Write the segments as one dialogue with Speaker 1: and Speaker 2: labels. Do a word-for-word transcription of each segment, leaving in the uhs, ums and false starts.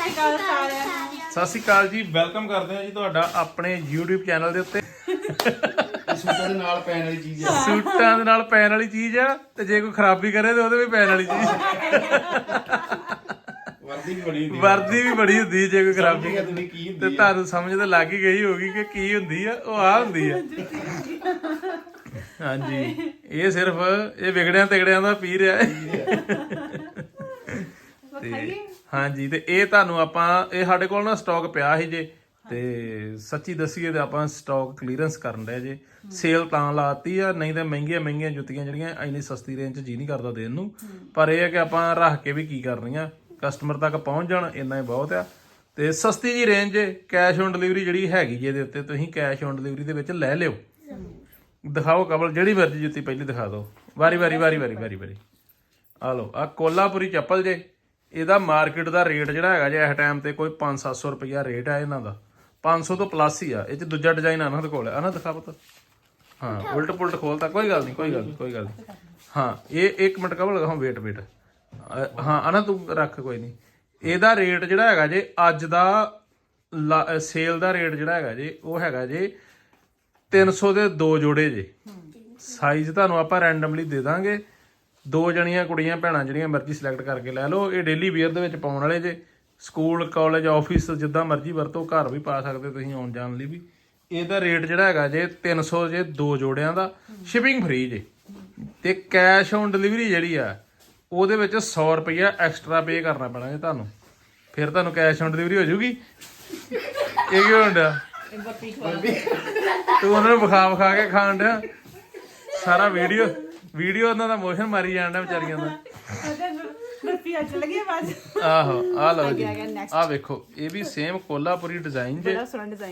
Speaker 1: ਸਤਿ ਸ਼੍ਰੀ ਅਕਾਲ ਜੀ, ਵੈਲਕਮ ਕਰਦੇ ਹਾਂ ਜੀ ਤੁਹਾਡਾ ਆਪਣੇ YouTube ਚੈਨਲ ਦੇ ਉੱਤੇ।
Speaker 2: ਸੂਟਾਂ ਦੇ ਨਾਲ ਪੈਣ ਵਾਲੀ ਚੀਜ਼ ਆ।
Speaker 1: ਸੂਟਾਂ ਦੇ ਨਾਲ ਪੈਣ ਵਾਲੀ ਚੀਜ਼ ਆ ਤੇ ਜੇ ਕੋਈ ਖਰਾਬੀ ਕਰੇ ਤੇ ਉਹਦੇ ਵੀ ਪੈਣ ਵਾਲੀ ਚੀਜ਼।
Speaker 2: ਵਰਦੀ ਵੀ ਬੜੀ ਹੁੰਦੀ ਆ।
Speaker 1: ਵਰਦੀ ਵੀ ਬੜੀ ਹੁੰਦੀ ਜੇ ਕੋਈ ਖਰਾਬੀ
Speaker 2: ਸਮਝ ਗਏ ਕੀ ਹੁੰਦੀ
Speaker 1: ਤੇ ਤੁਹਾਨੂੰ ਸਮਝ ਤਾਂ ਲੱਗ ਹੀ ਗਈ ਹੋਗੀ ਕਿ ਕੀ ਹੁੰਦੀ ਆ। ਉਹ ਆ ਹੁੰਦੀ ਆ। ਹਾਂਜੀ, ਇਹ ਸਿਰਫ ਇਹ ਵਿਗੜਿਆਂ ਤਿਗੜਿਆਂ ਦਾ ਪੀ ਰਿਹਾ ਤੇ ਹਾਂਜੀ, ਤੇ ਇਹ ਤੁਹਾਨੂੰ ਆਪਾਂ ਇਹ ਸਾਡੇ ਕੋਲ ਨਾ ਸਟਾਕ ਪਿਆ ਸੀ ਜੇ, ਤੇ ਸੱਚੀ ਦੱਸੀਏ ਤੇ ਆਪਾਂ ਸਟਾਕ ਕਲੀਅਰੈਂਸ ਕਰਨ ਰਹੇ ਜੇ। ਸੇਲ ਤਾਂ ਲਾਤੀ ਆ, ਨਹੀਂ ਤਾਂ ਮਹਿੰਗੀਆਂ ਮਹਿੰਗੀਆਂ ਜੁੱਤੀਆਂ ਜਿਹੜੀਆਂ ਇੰਨੀ ਸਸਤੀ ਰੇਂਜ 'ਚ ਜੀ ਨਹੀਂ ਕਰਦਾ ਦੇਣ ਨੂੰ। ਪਰ ਇਹ ਹੈ ਕਿ ਆਪਾਂ ਰੱਖ ਕੇ ਵੀ ਕੀ ਕਰਨੀਆਂ, ਕਸਟਮਰ ਤੱਕ ਪਹੁੰਚ ਜਾਣ ਇੰਨਾ ਹੀ ਬਹੁਤ ਆ। ਤੇ ਸਸਤੀ ਜੀ ਰੇਂਜ ਕੈਸ਼ ਔਨ ਡਿਲੀਵਰੀ ਜਿਹੜੀ ਹੈਗੀ ਜੇ ਦੇ ਉੱਤੇ ਤੁਸੀਂ ਕੈਸ਼ ਔਨ ਡਿਲੀਵਰੀ ਦੇ ਵਿੱਚ ਲੈ ਲਿਓ। ਦਿਖਾਓ ਕਬਲ, ਜਿਹੜੀ ਮਰਜ਼ੀ ਜੁੱਤੀ ਪਹਿਲੀ ਦਿਖਾ ਦਿਓ, ਵਾਰੀ ਵਾਰੀ ਵਾਰੀ ਵਾਰੀ ਵਾਰੀ ਵਾਰੀ ਆ ਲਓ। ਆ ਕੋਲਾਪੁਰੀ ਚੱਪਲ ਜੇ, ਇਹਦਾ ਮਾਰਕੀਟ ਦਾ ਰੇਟ ਜਿਹੜਾ ਹੈਗਾ ਜੇ ਇਸ ਟਾਈਮ ਤੇ ਕੋਈ ਪੰਜ ਸੱਤ ਸੌ ਰੁਪਈਆ ਰੇਟ ਹੈ ਇਹਨਾਂ ਦਾ। ਪੰਜ ਸੌ ਤੋਂ ਪਲੱਸ ਹੀ ਆ। ਇਹ 'ਚ ਦੂਜਾ ਡਿਜ਼ਾਈਨ ਆਨਾ ਦੇ ਕੋਲ ਆ ਨਾ, ਦਿਖਾ ਪੁੱਤ। ਹਾਂ, ਉਲਟ ਪੁਲਟ ਖੋਲਤਾ, ਕੋਈ ਗੱਲ ਨਹੀਂ ਕੋਈ ਗੱਲ ਨਹੀਂ ਕੋਈ ਗੱਲ ਨਹੀਂ। ਹਾਂ, ਇਹ ਇੱਕ ਮਿੰਟ ਕਬਲ ਲਗਾਓ, ਵੇਟ ਵੇਟ। ਹਾਂ ਆਨਾ ਤੂੰ ਰੱਖ, ਕੋਈ ਨਹੀਂ। ਇਹਦਾ ਰੇਟ ਜਿਹੜਾ ਹੈਗਾ ਜੇ ਅੱਜ ਦਾ ਸੇਲ ਦਾ ਰੇਟ ਜਿਹੜਾ ਹੈਗਾ ਜੇ ਉਹ ਹੈਗਾ ਜੇ ਤਿੰਨ ਸੌ ਦੇ ਦੋ ਜੋੜੇ ਜੇ। ਸਾਈਜ਼ ਤੁਹਾਨੂੰ ਆਪਾਂ ਰੈਂਡਮਲੀ ਦੇ ਦਾਂਗੇ। ਦੋ ਜਣੀਆਂ ਕੁੜੀਆਂ ਭੈਣਾਂ ਜਿਹੜੀਆਂ ਮਰਜ਼ੀ ਸਿਲੈਕਟ ਕਰਕੇ ਲੈ ਲਓ। ਇਹ ਡੇਲੀ ਵੇਅਰ ਦੇ ਵਿੱਚ ਪਾਉਣ ਵਾਲੇ ਜੇ, ਸਕੂਲ ਕਾਲਜ ਆਫਿਸ ਜਿੱਦਾਂ ਮਰਜ਼ੀ ਵਰਤੋ, ਘਰ ਵੀ ਪਾ ਸਕਦੇ ਤੁਸੀਂ ਆਉਣ ਜਾਣ ਲਈ ਵੀ। ਇਹਦਾ ਰੇਟ ਜਿਹੜਾ ਹੈਗਾ ਜੇ ਤਿੰਨ ਸੌ ਜੇ ਦੋ ਜੋੜਿਆਂ ਦਾ, ਸ਼ਿਪਿੰਗ ਫ੍ਰੀ ਜੇ। ਤੇ ਕੈਸ਼ ਔਨ ਡਿਲੀਵਰੀ ਜਿਹੜੀ ਆ ਉਹਦੇ ਵਿੱਚ ਸੌ ਰੁਪਈਆ ਐਕਸਟਰਾ ਪੇ ਕਰਨਾ ਪੈਣਾ ਜੇ ਤੁਹਾਨੂੰ, ਫਿਰ ਤੁਹਾਨੂੰ ਕੈਸ਼ ਔਨ ਡਿਲੀਵਰੀ ਹੋ ਜਾਊਗੀ। ਇਹ ਕੀ ਹੁੰਦਾ, ਤੂੰ ਉਹਨਾਂ ਨੂੰ ਵਿਖਾ ਵਿਖਾ ਕੇ ਖਾਣ ਡਿਆ ਸਾਰਾ। ਵੀਡੀਓ ਵੀਡੀਓ ਉਹਨਾਂ ਦਾ ਮੋਸ਼ਨ ਮਾਰੀ ਜਾਣ ਡਿਆ ਵਿਚਾਰੀਆਂ ਦਾ। ਆਹੋ, ਆ ਲਓ ਜੀ, ਆ ਵੇਖੋ, ਇਹ ਵੀ ਸੇਮ ਕੋਲਾਪੁਰੀ ਡਿਜ਼ਾਈਨ ਜੇ,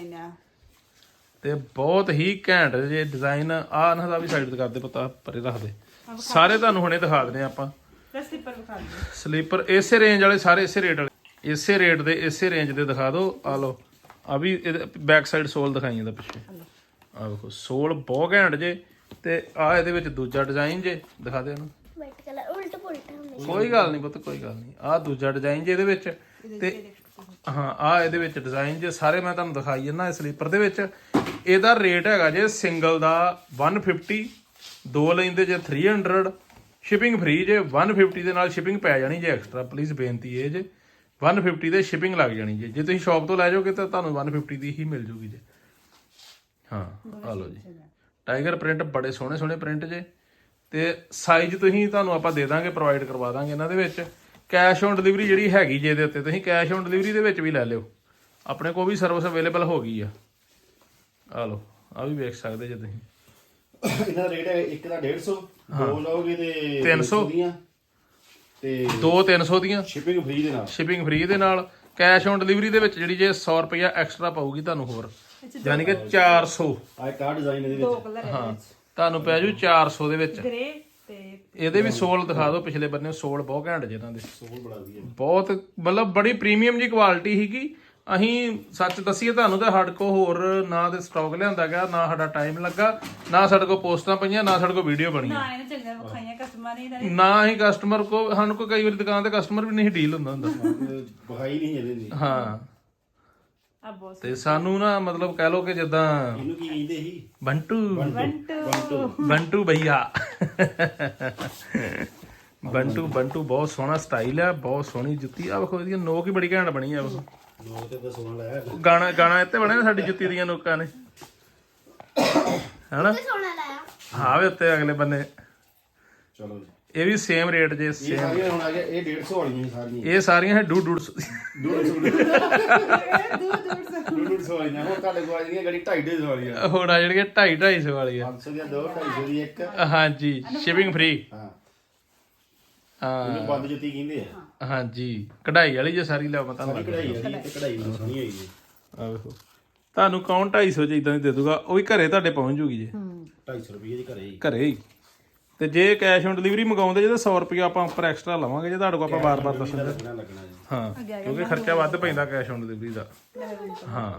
Speaker 1: ਤੇ ਬਹੁਤ ਹੀ ਘੈਂਟ ਜੇ ਡਿਜ਼ਾਈਨ। ਆ ਇਹਨਾਂ ਦਾ ਵੀ ਸਾਈਡ ਤੇ ਕਰਦੇ, ਪਤਾ ਪਰੇ ਰੱਖਦੇ। ਸਾਰੇ ਤੁਹਾਨੂੰ ਹੁਣੇ ਦਿਖਾ ਦਿੰਦੇ ਆਪਾਂ। ਸਲੀਪਰ ਇਸੇ ਰੇਂਜ ਵਾਲੇ ਸਾਰੇ, ਇਸੇ ਰੇਟ ਵਾਲੇ, ਇਸੇ ਰੇਟ ਦੇ ਇਸੇ ਰੇਂਜ ਦੇ ਦਿਖਾ ਦਿਓ। ਆ ਲਓ, ਆ ਵੀ ਇਹਦੇ ਬੈਕ ਸਾਈਡ ਸੋਲ ਦਿਖਾਈ ਜਾਂਦਾ ਪਿੱਛੇ। ਆ ਵੇਖੋ, ਸੋਲ ਬਹੁਤ ਘੈਂਟ ਜੇ। ਤੇ ਆ ਇਹਦੇ ਵਿੱਚ ਦੂਜਾ ਡਿਜ਼ਾਈਨ ਜੇ, ਦਿਖਾ ਦੇ ਇਹਨੂੰ। ਕੋਈ ਗੱਲ ਨਹੀਂ ਪੁੱਤ, ਕੋਈ ਗੱਲ ਨਹੀਂ। ਆ ਦੂਜਾ ਡਿਜ਼ਾਈਨ ਜੇ ਇਹਦੇ ਵਿੱਚ। ਤੇ ਹਾਂ, ਆ ਇਹਦੇ ਵਿੱਚ ਡਿਜ਼ਾਈਨ ਜੇ ਸਾਰੇ ਮੈਂ ਤੁਹਾਨੂੰ ਦਿਖਾਈ ਜਾਂਦਾ ਸਲੀਪਰ ਦੇ ਵਿੱਚ। ਇਹਦਾ ਰੇਟ ਹੈਗਾ ਜੇ ਸਿੰਗਲ ਦਾ ਇੱਕ ਸੌ ਪਚਾਸ, ਦੋ ਲੈਂਦੇ ਜੇ ਤਿੰਨ ਸੌ, ਸ਼ਿਪਿੰਗ ਫ੍ਰੀ ਜੇ। ਇੱਕ ਸੌ ਪਚਾਸ ਦੇ ਨਾਲ ਸ਼ਿਪਿੰਗ ਪੈ ਜਾਣੀ ਜੇ ਐਕਸਟਰਾ, ਪਲੀਜ਼ ਬੇਨਤੀ ਇਹ ਜੇ। ਇੱਕ ਸੌ ਪਚਾਸ ਦੇ ਸ਼ਿਪਿੰਗ ਲੱਗ ਜਾਣੀ ਜੇ। ਜੇ ਤੁਸੀਂ ਸ਼ਾਪ ਤੋਂ ਲੈ ਜਾਓਗੇ ਤਾਂ ਤੁਹਾਨੂੰ ਇੱਕ ਸੌ ਪਚਾਸ ਦੀ ਹੀ ਮਿਲ ਜੂਗੀ ਜੇ। ਹਾਂ, ਆ ਲਓ ਜੀ, ਟਾਈਗਰ ਪ੍ਰਿੰਟ, ਬੜੇ ਸੋਹਣੇ ਸੋਹਣੇ ਪ੍ਰਿੰਟ ਜੇ। ਤੇ ਸਾਈਜ਼ ਤੁਸੀਂ ਤੁਹਾਨੂੰ ਆਪਾਂ ਦੇ ਦਾਂਗੇ, ਪ੍ਰੋਵਾਈਡ ਕਰਵਾ ਦਾਂਗੇ ਇਹਨਾਂ ਦੇ ਵਿੱਚ। ਕੈਸ਼ ਔਨ ਡਿਲੀਵਰੀ ਜਿਹੜੀ ਹੈਗੀ ਜੇ ਇਹਦੇ ਉੱਤੇ, ਤੁਸੀਂ ਕੈਸ਼ ਔਨ ਡਿਲੀਵਰੀ ਦੇ ਵਿੱਚ ਵੀ ਲੈ ਲਿਓ। ਆਪਣੇ ਕੋਲ ਵੀ ਸਰਵਿਸ ਅਵੇਲੇਬਲ ਹੋ ਗਈ ਆ। ਆ ਲਓ, ਆ ਵੀ ਵੇਖ ਸਕਦੇ ਜੇ ਤੁਸੀਂ।
Speaker 2: ਇਹਦਾ ਰੇਟ ਹੈ ਇੱਕ ਦਾ ਡੇਢ ਸੌ, ਦੋ ਲਓਗੇ ਤੇ
Speaker 1: ਤਿੰਨ ਸੌ
Speaker 2: ਦੀਆਂ, ਤੇ
Speaker 1: ਦੋ ਤਿੰਨ ਸੌ ਦੀਆਂ
Speaker 2: ਸ਼ਿਪਿੰਗ ਫ੍ਰੀ ਦੇ ਨਾਲ।
Speaker 1: ਸ਼ਿਪਿੰਗ ਫ੍ਰੀ ਦੇ ਨਾਲ। ਕੈਸ਼ ਔਨ ਡਿਲੀਵਰੀ ਦੇ ਵਿੱਚ ਜਿਹੜੀ ਜੇ ਸੌ ਰੁਪਈਆ ਐਕਸਟਰਾ ਪਾਊਗੀ ਤੁਹਾਨੂੰ ਹੋਰ, ਯਾਨੀ ਕਿ ਚਾਰ ਸੌ।
Speaker 2: ਆ ਇੱਕ ਆ ਡਿਜ਼ਾਈਨ ਇਹਦੇ ਵਿੱਚ,
Speaker 1: ਹਾਂ, ਤੁਹਾਨੂੰ ਪੈ ਜੂ ਚਾਰ ਸੌ ਦੇ ਵਿੱਚ। ਇਹਦੇ ਵੀ ਸੋਲ ਦਿਖਾ ਦਿਓ ਪਿਛਲੇ ਬੰਨੇ। ਸੋਲ ਬਹੁਤ ਘੈਂਟ ਜੇ ਇਹਨਾਂ ਦੇ,
Speaker 2: ਸੋਲ ਬੜਾ ਵਧੀਆ,
Speaker 1: ਬਹੁਤ ਮਤਲਬ ਬੜੀ ਪ੍ਰੀਮੀਅਮ ਜੀ ਕੁਆਲਿਟੀ ਸੀਗੀ। ਅਸੀਂ ਸੱਚ ਦੱਸੀਏ ਤੁਹਾਨੂੰ ਤਾਂ ਸਾਡੇ ਕੋਲ ਹੋਰ ਨਾ ਤੇ ਸਟਾਕ ਲਿਆਂਦਾ ਗਿਆ, ਨਾ ਸਾਡਾ ਟਾਈਮ ਲੱਗਾ, ਨਾ ਸਾਡੇ ਕੋਲ ਪੋਸਟਾਂ ਪਈਆਂ, ਨਾ ਸਾਡੇ ਕੋਲ ਵੀਡੀਓ ਬਣੀ, ਨਾ ਹੀ ਕਸਟਮਰ ਕੋ। ਸਾਨੂੰ ਕੋਈ ਕਈ ਵਾਰੀ ਦੁਕਾਨ ਤੇ ਕਸਟਮਰ ਵੀ ਨਹੀਂ ਡੀਲ ਹੁੰਦਾ ਹੁੰਦਾ,
Speaker 2: ਬਹਾਈ ਨਹੀਂ ਇਹਦੇ।
Speaker 1: ਹਾਂ, ਤੇ ਸਾਨੂੰ ਨਾ ਮਤਲਬ ਕਹਿ ਲਓ ਕਿ ਜਿੱਦਾਂ
Speaker 2: ਇਹਨੂੰ ਕੀ ਕਹਿੰਦੇ ਸੀ,
Speaker 1: ਬੰਟੂ ਬੰਟੂ ਭਈਆ। ਬੰਟੂ ਬੰਟੂ ਬਹੁਤ ਸੋਹਣਾ ਸਟਾਈਲ ਆ, ਬਹੁਤ ਸੋਹਣੀ ਜੁੱਤੀ ਆ। ਵੇਖੋ ਇਹਦੀਆਂ ਨੋਕ ਹੀ ਬੜੀ ਘੈਂਟ ਬਣੀ ਆ। ਵੇਖੋ
Speaker 2: ਲੋਕ ਤੇ ਤਾਂ ਸੋਹਣਾ ਲਾਇਆ,
Speaker 1: ਗਾਣਾ ਗਾਣਾ ਇੱਥੇ ਬਣਿਆ ਸਾਡੀ ਜੁੱਤੀ ਦੀਆਂ ਨੋਕਾਂ ਨੇ, ਹਨਾ। ਹਾਂ ਵੇ ਉੱਤੇ ਅਗਲੇ ਬੰਨੇ।
Speaker 2: ਚਲੋ ਜੀ,
Speaker 1: ਇਹ ਵੀ ਸੇਮ ਰੇਟ ਜੇ, ਸੇਮ।
Speaker 2: ਹੁਣ ਆ ਗਿਆ ਇਹ ਡੇਢ ਸੌ ਵਾਲੀਆਂ ਸਾਰੀਆਂ।
Speaker 1: ਇਹ ਸਾਰੀਆਂ ਹੈ ਡੂ ਡੂ
Speaker 2: ਡੂਢ ਸੌ ਡੂਢ ਸੌ ਵਾਲੀਆਂ। ਹੁਣ ਤੁਹਾਡੇ ਕੋਲ ਆ ਜਿਹੜੀਆਂ ਗੜੀ ਢਾਈ ਢਾਈ ਸੌ ਵਾਲੀਆਂ।
Speaker 1: ਹੁਣ ਆ ਜਿਹੜੀਆਂ ਢਾਈ ਢਾਈ ਸੌ ਵਾਲੀਆਂ।
Speaker 2: ਪੰਜ ਸੌ ਦੀਆਂ ਦੋ, ਢਾਈ ਸੌ ਦੀ ਇੱਕ।
Speaker 1: ਹਾਂਜੀ, ਸ਼ਿਪਿੰਗ ਫ੍ਰੀ।
Speaker 2: ਹਾਂ,
Speaker 1: ਹਾਂ,
Speaker 2: ਇਹਨੂੰ ਬੰਦ ਜੁੱਤੀ ਕਹਿੰਦੇ ਆ।
Speaker 1: ਹਾਂਜੀ, ਕਢਾਈ ਵਾਲੀ ਜੇ ਸਾਰੀ ਲਿਆਓ, ਮੈਂ ਤੁਹਾਨੂੰ
Speaker 2: ਕਢਾਈ ਵਾਲੀ ਤੇ ਕਢਾਈ ਵੀ ਸੋਹਣੀ ਹੋਈ ਜੀ।
Speaker 1: ਆ ਵੇਖੋ, ਤੁਹਾਨੂੰ ਕੌਣ ਢਾਈ ਸੌ ਚ ਇਦਾਂ ਦੀ ਦੇ ਦੂਗਾ, ਉਹ ਵੀ ਘਰੇ ਤੁਹਾਡੇ ਪਹੁੰਚ ਜੂਗੀ ਜੇ।
Speaker 2: ਢਾਈ ਸੌ ਰੁਪਏ ਦੀ ਘਰੇ ਹੀ,
Speaker 1: ਘਰੇ ਹੀ। ਤੇ ਜੇ ਕੈਸ਼ ਔਨ ਡਿਲੀਵਰੀ ਮੰਗਾਉਂਦੇ ਜੇ ਤਾਂ ਸੌ ਰੁਪਇਆ ਆਪਾਂ ਉੱਪਰ ਐਕਸਟਰਾ ਲਵਾਂਗੇ ਜੇ ਤੁਹਾਡੇ ਕੋਲ ਆਪਾਂ ਵਾਰ-ਵਾਰ ਦੱਸਣਾ
Speaker 2: ਲੱਗਣਾ ਲੱਗਣਾ ਜੀ।
Speaker 1: ਹਾਂ, ਕਿਉਂਕਿ ਖਰਚਾ ਵੱਧ ਪੈਂਦਾ ਕੈਸ਼ ਔਨ ਡਿਲੀਵਰੀ ਦਾ। ਹਾਂ,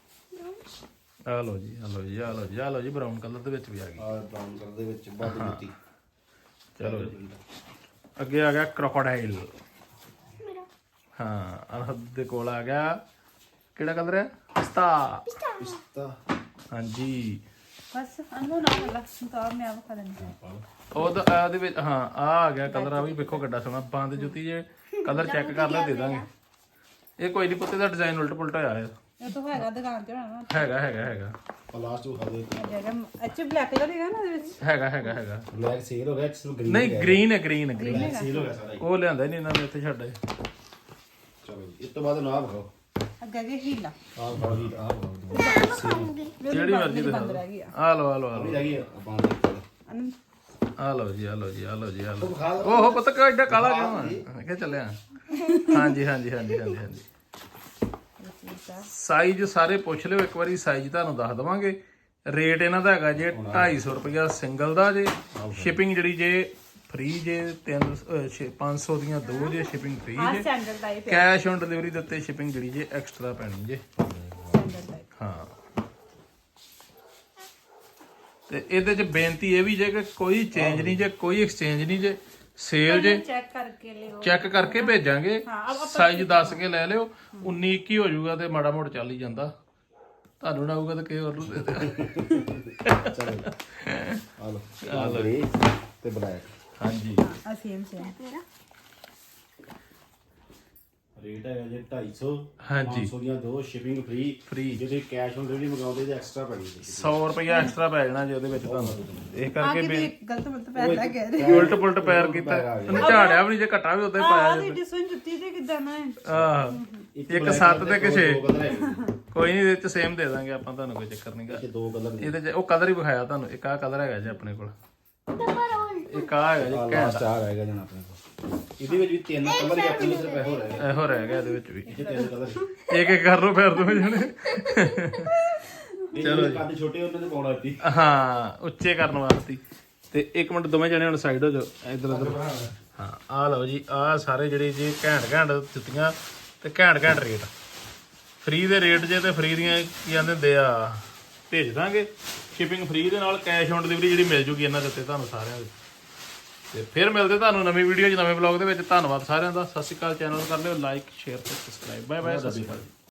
Speaker 1: ਆ ਲਓ ਜੀ, ਆ ਲਓ ਜੀ, ਆ ਲਓ ਜੀ, ਆ ਲਓ ਜੀ, ਬਰਾਊਨ ਕਲਰ ਦੇ ਵਿੱਚ ਵੀ ਆ ਗਈ।
Speaker 2: ਆ ਬਰਾਊਨ ਕਲਰ ਦੇ ਵਿੱਚ ਬੰਦ ਜੁੱਤੀ।
Speaker 1: ਚਲੋ ਜੀ, ਅੱਗੇ ਆ ਗਿਆ ਕ੍ਰੋਕੋਡਾਈਲ। ਹਾਂ ਅਨਹਦ ਦੇ ਕੋਲ ਆ ਗਿਆ ਕਿਹੜਾ ਕਲਰ ਹੈ ਪਿਸਤਾ
Speaker 2: ਪਿਸਤਾ
Speaker 1: ਹਾਂਜੀ
Speaker 3: ਬਸ ਅਨੂ ਨਾ ਵਾਲਾ ਤਾਂ ਮੈਂ ਆਪ ਖਾ ਲੈਂਦੀ
Speaker 1: ਉਹਦਾ ਉਹਦੇ ਵਿੱਚ ਹਾਂ ਆ ਆ ਗਿਆ ਕਲਰ ਆ ਵੀ ਵੇਖੋ ਕਿੱਡਾ ਸੋਹਣਾ ਬੰਦ ਜੁੱਤੀ ਜੇ ਕਲਰ ਚੈੱਕ ਕਰ ਲੈ ਦੇ ਦਾਂਗੇ ਇਹ ਕੋਈ ਨਹੀਂ ਪੁੱਤੇ ਦਾ ਡਿਜ਼ਾਈਨ ਉਲਟ ਪੁਲਟ ਹੋਇਆ ਹੈ
Speaker 3: ਇਹ ਤਾਂ ਹੈਗਾ ਦੁਕਾਨ ਤੇ ਹੋਣਾ
Speaker 1: ਹੈਗਾ ਹੈਗਾ ਹੈਗਾ
Speaker 2: ਲਾਸਟ ਉਹ ਖਾਦੇ
Speaker 3: ਜਿਹੜਾ ਅੱਛਾ ਬਲੈਕ ਕਲਰ ਹੈਗਾ ਨਾ ਉਹਦੇ ਵਿੱਚ
Speaker 1: ਹੈਗਾ ਹੈਗਾ ਹੈਗਾ
Speaker 2: ਬਲੈਕ ਸੇਲ ਹੋ ਗਿਆ ਸਿਰਫ ਗ੍ਰੀਨ
Speaker 1: ਨਹੀਂ ਗ੍ਰੀਨ ਹੈ ਗ੍ਰੀਨ ਹੈ ਗ੍ਰੀਨ
Speaker 2: ਸੇਲ ਹੋ ਗਿਆ ਸਾਰਾ ਹੀ।
Speaker 1: ਉਹ ਲਿਆਂਦਾ ਨਹੀਂ ਇਹਨਾਂ ਨੇ ਇੱਥੇ ਛੱਡ ਆਏ
Speaker 2: ਚਲੋ ਜੀ ਇਸ ਤੋਂ ਬਾਅਦ ਨਾ ਖਾਓ
Speaker 3: ਅੱਗੇ ਜੀ ਹੀਲਾ
Speaker 2: ਆਹ ਖਾਓ ਜੀ ਆਹ ਖਾਓ
Speaker 1: ਜਿਹੜੀ ਮਰਜ਼ੀ ਦਿਖਾ
Speaker 3: ਬੰਦ
Speaker 1: ਦਿਓ।
Speaker 3: ਰਹਿ ਗਈ ਆ
Speaker 1: ਆ ਲਓ ਆ ਲਓ ਆ ਲਓ
Speaker 2: ਵੀ ਰਹਿ ਗਈ ਆਪਾਂ ਦੇ
Speaker 3: ਅਨੂ
Speaker 1: ਆ ਲਓ ਜੀ ਆ ਲਓ ਜੀ ਆ ਲਓ ਜੀ ਆ ਲਓ
Speaker 2: ਖਾ ਲਓ
Speaker 1: ਓਹੋ ਪਤਾ ਕਿ ਐਡਾ ਕਾਲਾ ਕਿਉਂ ਆ ਮੈਂ ਕਿਹਾ ਚੱਲਿਆ ਹਾਂਜੀ ਹਾਂਜੀ ਹਾਂਜੀ ਹਾਂਜੀ ਹਾਂਜੀ ਸਾਈਜ਼ ਸਾਰੇ ਪੁੱਛ ਲਿਓ ਇੱਕ ਵਾਰੀ ਸਾਈਜ਼ ਤੁਹਾਨੂੰ ਦੱਸ ਦਵਾਂਗੇ ਰੇਟ ਇਹਨਾਂ ਦਾ ਹੈਗਾ ਜੇ ਢਾਈ ਸੌ ਰੁਪਇਆ ਸਿੰਗਲ ਦਾ ਜੇ ਸ਼ਿਪਿੰਗ ਜਿਹੜੀ ਜੇ ਫ੍ਰੀ ਜੇ ਤਿੰਨ ਪੰਜ ਸੌ ਦੀਆਂ ਦੋ ਜੇ ਸ਼ਿਪਿੰਗ ਫ੍ਰੀ
Speaker 3: ਆ
Speaker 1: ਜੇ
Speaker 3: ਸਟੈਂਡਰਡ ਟਾਈਪ ਹੈ
Speaker 1: ਕੈਸ਼ ਔਨ ਡਿਲੀਵਰੀ ਦੇ ਉੱਤੇ ਸ਼ਿਪਿੰਗ ਜਿਹੜੀ ਜੇ ਐਕਸਟਰਾ ਪੈਣੀ ਜੇ
Speaker 3: ਸਟੈਂਡਰਡ ਟਾਈਪ
Speaker 1: ਹਾਂ ਤੇ ਇਹਦੇ ਚ ਬੇਨਤੀ ਇਹ ਵੀ ਜੇ ਕਿ ਕੋਈ ਚੇਂਜ ਨਹੀਂ ਜੇ ਕੋਈ ਐਕਸਚੇਂਜ ਨਹੀਂ ਜੇ ਸੇਲ ਜੇ
Speaker 3: ਚੈੱਕ ਕਰਕੇ ਲਿਓ
Speaker 1: ਚੈੱਕ ਕਰਕੇ ਭੇਜਾਂਗੇ
Speaker 3: ਹਾਂ, ਆਪਾਂ-
Speaker 1: ਸਾਈਜ਼ ਦੱਸ ਕੇ ਲੈ ਲਿਓ ਉੱਨੀ ਇੱਕੀ ਹੋ ਜਾਊਗਾ ਤੇ ਮਾੜਾ ਮੋੜ ਚੱਲ ਹੀ ਜਾਂਦਾ ਤੁਹਾਨੂੰ ਨਾ ਆਊਗਾ ਤਾਂ ਕਿਸੇ ਹੋਰ ਨੂੰ ਦੇ ਦਿਓ
Speaker 2: ਚਲੋ ਆ ਲਓ ਆ ਲਓ ਤੇ ਬਲੈਕ
Speaker 1: ਹਾਂਜੀ
Speaker 3: ਆ ਸੇਮ ਸੇਮ
Speaker 2: ਰੇਟ ਹੈਗਾ ਜੇ ਢਾਈ ਸੌ
Speaker 1: ਹਾਂਜੀ
Speaker 2: ਪੰਜ ਸੌ ਦੀਆਂ ਦੋ ਸ਼ਿਪਿੰਗ ਫ੍ਰੀ
Speaker 1: ਫ੍ਰੀ
Speaker 2: ਜੇ ਤੁਸੀਂ ਕੈਸ਼ ਔਨ ਡਿਲੀਵਰੀ ਮੰਗਾਉਂਦੇ ਤੇ ਐਕਸਟਰਾ ਪੈਣੀ ਜੀ
Speaker 1: ਸੌ ਰੁਪਇਆ ਐਕਸਟਰਾ ਪੈ ਜਾਣਾ ਜੀ ਉਹਦੇ ਵਿੱਚ ਤੁਹਾਨੂੰ ਇਹ
Speaker 3: ਆ
Speaker 1: ਕਰਕੇ
Speaker 3: ਕਿ
Speaker 1: ਬੇ
Speaker 3: ਗਲਤ ਮਤਲਬ ਪੈਸਾ ਕਹਿ ਰਹੇ
Speaker 1: ਉਲਟ ਪੁਲਟ ਪੈਰ ਕੀਤਾ ਉਹਨੇ ਝਾੜਿਆ ਵੀ ਨਹੀਂ ਜੇ ਘਟਾ ਵੀ ਉਦਾਂ ਹੀ ਪਾਇਆ
Speaker 3: ਆ
Speaker 1: ਜੇ
Speaker 3: ਦੀ ਡਿਸਨ ਜੁੱਤੀ ਤੇ ਕਿਦਾਂ ਨਾ ਹੈ
Speaker 1: ਆਹ ਇੱਕ ਸੱਤ ਤੇ ਕਿਸੇ
Speaker 2: ਦੋ ਕਲਰ ਹੈਗੇ
Speaker 1: ਕੋਈ ਨਹੀਂ ਇਹਦੇ ਚ ਸੇਮ ਦੇ ਦਾਂਗੇ ਆਪਾਂ ਤੁਹਾਨੂੰ ਕੋਈ ਚੱਕਰ ਨਹੀਂਗਾ
Speaker 2: ਇਹ ਦੋ ਕਲਰ ਨੇ
Speaker 1: ਇਹਦੇ ਚ ਉਹ ਕਲਰ ਹੀ ਵਿਖਾਇਆ ਤੁਹਾਨੂੰ ਇੱਕ ਆਹ ਕਲਰ ਹੈਗਾ ਜੀ ਆਪਣੇ ਕੋਲ ਇੱਕ ਆਹ ਹੈਗਾ ਜੀ
Speaker 2: ਆ
Speaker 1: ਘੈਂਟ
Speaker 2: ਲਾਸਟ ਆ ਰਹੇਗਾ ਜਣਾ ਆਪਣੇ ਕੋਲ ਇਹਦੇ ਵਿੱਚ ਵੀ ਤਿੰਨ ਕਲਰ ਹੀ ਆਪਣੇ ਸਿਰਫ ਇਹੋ ਰਹੇ
Speaker 1: ਇਹੋ ਰਹਿ ਗਿਆ ਇਹਦੇ ਵਿੱਚ ਵੀ
Speaker 2: ਇਹ ਤਿੰਨ ਕਲਰ
Speaker 1: ਇੱਕ ਇੱਕ ਕਰ ਲਓ ਫਿਰ ਦੋਵੇਂ ਜਣੇ
Speaker 2: ਚਲੋ ਕੱਦ ਛੋਟੇ ਉਹਨਾਂ ਨੇ ਪਾਉਣਾ ਸੀ
Speaker 1: ਹਾਂ ਉੱਚੇ ਕਰਨ ਵਾਸਤੇ ਤੇ ਇੱਕ ਮਿੰਟ ਦੋਵੇਂ ਜਣੇ ਹੁਣ ਸਾਈਡ ਹੋ ਜਾਓ ਇਧਰ ਉਧਰ ਹਾਂ ਆਹ ਲਓ ਜੀ ਆਹ ਸਾਰੇ ਜਿਹੜੇ ਜੀ ਘੈਂਟ ਘੈਂਟ ਜੁੱਤੀਆਂ ਤੇ ਘੈਂਟ ਘੈਂਟ ਰੇਟ ਫ੍ਰੀ ਦੇ ਰੇਟ ਜੇ ਤੇ ਫ੍ਰੀ ਦੀਆਂ ਕੀ ਜਾਂਦੇ ਹੁੰਦੇ ਆ ਭੇਜ ਦਾਂਗੇ ਸ਼ਿਪਿੰਗ ਫ੍ਰੀ ਦੇ ਨਾਲ ਕੈਸ਼ ਔਨ ਡਿਲੀਵਰੀ ਜਿਹੜੀ ਮਿਲ ਜੂਗੀ ਇਹਨਾਂ ਦੇ ਉੱਤੇ ਤੁਹਾਨੂੰ ਸਾਰਿਆਂ ਦੇ ਤੇ ਫਿਰ ਮਿਲਦੇ ਤੁਹਾਨੂੰ ਨਵੀਂ ਵੀਡੀਓ 'ਚ ਨਵੇਂ ਵਲੌਗ ਦੇ ਵਿੱਚ ਧੰਨਵਾਦ ਸਾਰਿਆਂ ਦਾ ਸਤਿ ਸ਼੍ਰੀ ਅਕਾਲ ਚੈਨਲ ਕਰ ਲਿਓ ਲਾਈਕ ਸ਼ੇਅਰ ਤੇ ਸਬਸਕ੍ਰਾਈਬ ਬਾਏ ਬਾਏ ਸਤਿ ਸ਼੍ਰੀ ਅਕਾਲ